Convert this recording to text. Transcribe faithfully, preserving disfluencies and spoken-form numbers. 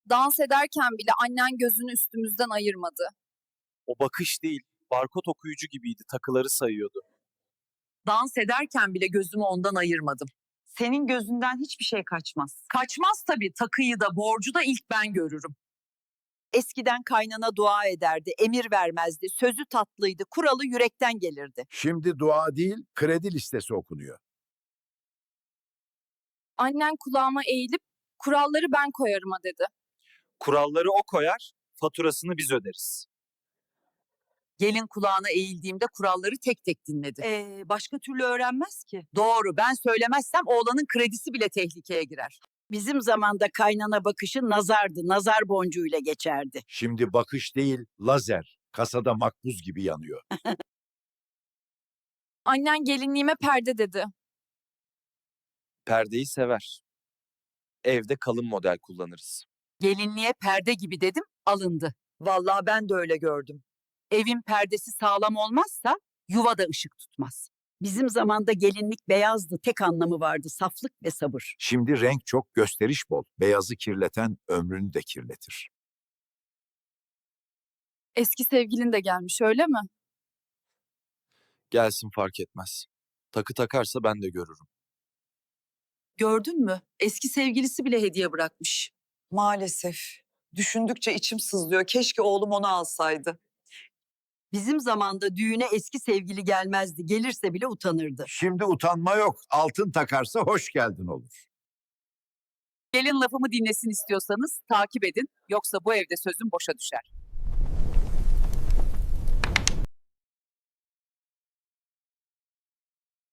Dans ederken bile annen gözünü üstümüzden ayırmadı. O bakış değil, barkod okuyucu gibiydi, takıları sayıyordu. Dans ederken bile gözümü ondan ayırmadım. Senin gözünden hiçbir şey kaçmaz. Kaçmaz tabii, takıyı da borcu da ilk ben görürüm. Eskiden kaynana dua ederdi, emir vermezdi, sözü tatlıydı, kuralı yürekten gelirdi. Şimdi dua değil, kredi listesi okunuyor. Annen kulağıma eğilip kuralları ben koyarıma dedi. Kuralları o koyar, faturasını biz öderiz. Gelin kulağına eğildiğimde kuralları tek tek dinledi. Ee, başka türlü öğrenmez ki. Doğru, ben söylemezsem oğlanın kredisi bile tehlikeye girer. Bizim zamanda kaynana bakışı nazardı, nazar boncuğuyla geçerdi. Şimdi bakış değil, lazer. Kasada makbuz gibi yanıyor. Annen gelinliğime perde dedi. Perdeyi sever. Evde kalın model kullanırız. Gelinliğe perde gibi dedim, alındı. Vallahi ben de öyle gördüm. Evin perdesi sağlam olmazsa yuva da ışık tutmaz. Bizim zamanda gelinlik beyazdı, tek anlamı vardı, saflık ve sabır. Şimdi renk çok, gösteriş bol. Beyazı kirleten ömrünü de kirletir. Eski sevgilin de gelmiş öyle mi? Gelsin fark etmez. Takı takarsa ben de görürüm. Gördün mü? Eski sevgilisi bile hediye bırakmış. Maalesef. Düşündükçe içim sızlıyor. Keşke oğlum onu alsaydı. Bizim zamanda düğüne eski sevgili gelmezdi, gelirse bile utanırdı. Şimdi utanma yok. Altın takarsa hoş geldin olur. Gelin lafımı dinlesin istiyorsanız takip edin. Yoksa bu evde sözüm boşa düşer.